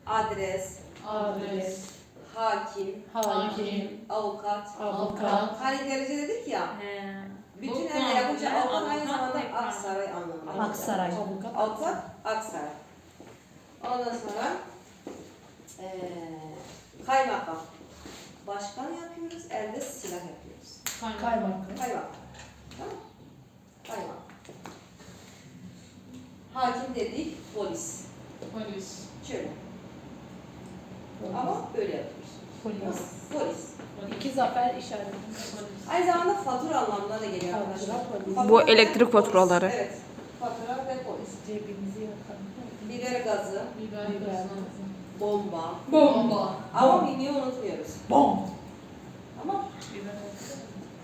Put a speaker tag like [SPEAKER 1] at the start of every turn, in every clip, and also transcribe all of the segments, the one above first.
[SPEAKER 1] adres,
[SPEAKER 2] adres,
[SPEAKER 1] hakim,
[SPEAKER 2] hakim,
[SPEAKER 1] avukat.
[SPEAKER 2] avukat.
[SPEAKER 1] Hani derece dedik ya. Bütün elle yapınca avukat aynı zamanda Aksaray anlamına.
[SPEAKER 3] Aksaray.
[SPEAKER 1] Avukat, Aksaray. Ondan sonra kaymakam. Başkan yapıyoruz, elde silah yapıyoruz.
[SPEAKER 2] Kaymakam.
[SPEAKER 1] Kaymakam. Tamam mı? Kaymakam. Hakim dedik, polis.
[SPEAKER 2] Polis.
[SPEAKER 1] Şöyle. Ama böyle yapıyoruz.
[SPEAKER 3] Polis.
[SPEAKER 1] Polis.
[SPEAKER 2] İki zafer işareti.
[SPEAKER 1] Aynı zamanda fatura anlamına da geliyor arkadaşlar. Fatura
[SPEAKER 4] Bu
[SPEAKER 1] ve
[SPEAKER 4] elektrik
[SPEAKER 1] polis.
[SPEAKER 4] faturaları.
[SPEAKER 1] Evet. Fatura ve polis.
[SPEAKER 3] Cebimizi yakalım.
[SPEAKER 1] Biber gazı,
[SPEAKER 2] Biber gazı.
[SPEAKER 1] bomba.
[SPEAKER 2] Bomba.
[SPEAKER 1] Ama miniyi unutmuyoruz.
[SPEAKER 3] Bom.
[SPEAKER 1] Ama
[SPEAKER 2] Biber gazı.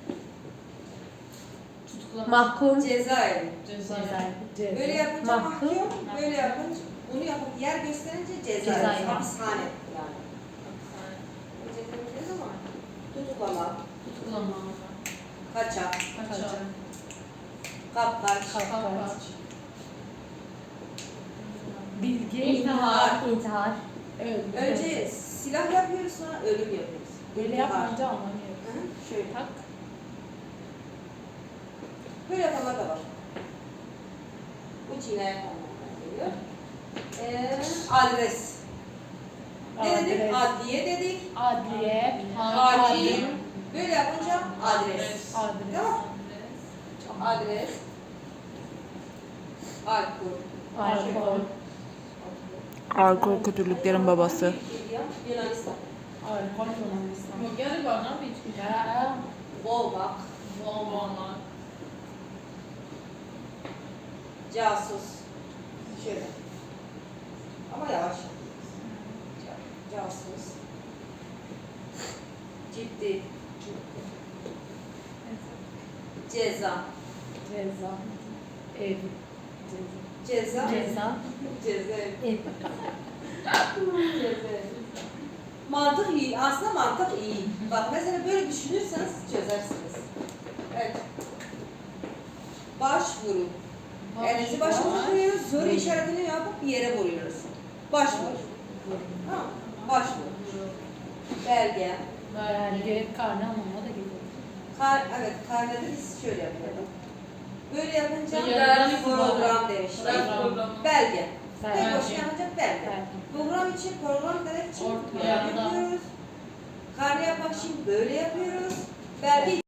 [SPEAKER 2] Tutuklama.
[SPEAKER 4] Mahkum.
[SPEAKER 1] cezaevi.
[SPEAKER 2] Cezaevi.
[SPEAKER 1] Böyle yapınca
[SPEAKER 4] Mahkum.
[SPEAKER 1] mahkum, böyle yapınca, bunu yapıp yer gösterince cezaevi.
[SPEAKER 3] Cezaevi.
[SPEAKER 1] Hapishane yani. Önceki ama tutuklama,
[SPEAKER 2] Tutuklama.
[SPEAKER 1] kaçak,
[SPEAKER 2] Kaçak.
[SPEAKER 1] kapkaç,
[SPEAKER 2] Kapkaç.
[SPEAKER 3] Bilgi.
[SPEAKER 1] İntihar.
[SPEAKER 3] İntihar.
[SPEAKER 2] Evet.
[SPEAKER 1] Önce silah yapıyoruz, sonra ölüm yapıyoruz.
[SPEAKER 3] Böyle
[SPEAKER 1] İntihar.
[SPEAKER 3] yapınca anlamıyoruz.
[SPEAKER 1] Hı, şöyle.
[SPEAKER 3] Tak.
[SPEAKER 1] Böyle yapanlar da var. Bu cinayet anlamına geliyor. Adres. Ne dedik? Adliye dedik.
[SPEAKER 3] Adliye.
[SPEAKER 1] Hakim. Böyle yapınca adres.
[SPEAKER 3] Adres.
[SPEAKER 1] Tamam. Adres. Alkol.
[SPEAKER 3] Alkol.
[SPEAKER 4] Alkol kötülüklerin babası.
[SPEAKER 1] Yunanistan.
[SPEAKER 3] Alkol Yunanistan.
[SPEAKER 2] Mogeri var ne bir
[SPEAKER 3] Ya.
[SPEAKER 1] Boğmak.
[SPEAKER 2] Bomba.
[SPEAKER 1] Casus. Şöyle. Ama yavaş. Casus. Ciddi. Ceza.
[SPEAKER 3] Ceza. Ev.
[SPEAKER 1] Ceza.
[SPEAKER 3] Ceza.
[SPEAKER 1] Ceza.
[SPEAKER 3] Ev.
[SPEAKER 1] Ceza. Mantık iyi. Aslında mantık iyi. Bak mesela böyle düşünürseniz çözersiniz. Evet. Başvuru. Elinizi başımıza koyuyoruz. Soru işaretini yapıp bir yere vuruyoruz. Başvuru. Tamam. Başvuru. Belge.
[SPEAKER 3] Belge. Karne anlamına da geliyor.
[SPEAKER 1] Evet, karnede biz şöyle yapıyorduk. Böyle yapınca
[SPEAKER 2] Yarın
[SPEAKER 1] program demişler.
[SPEAKER 2] Program.
[SPEAKER 1] Belge. Tek
[SPEAKER 3] Belge.
[SPEAKER 1] başına yapınca belge.
[SPEAKER 3] Belge.
[SPEAKER 1] Program için, program demek için
[SPEAKER 2] Ortaya
[SPEAKER 1] böyle
[SPEAKER 2] da.
[SPEAKER 1] yapıyoruz. Karne yapmak için böyle yapıyoruz. Belge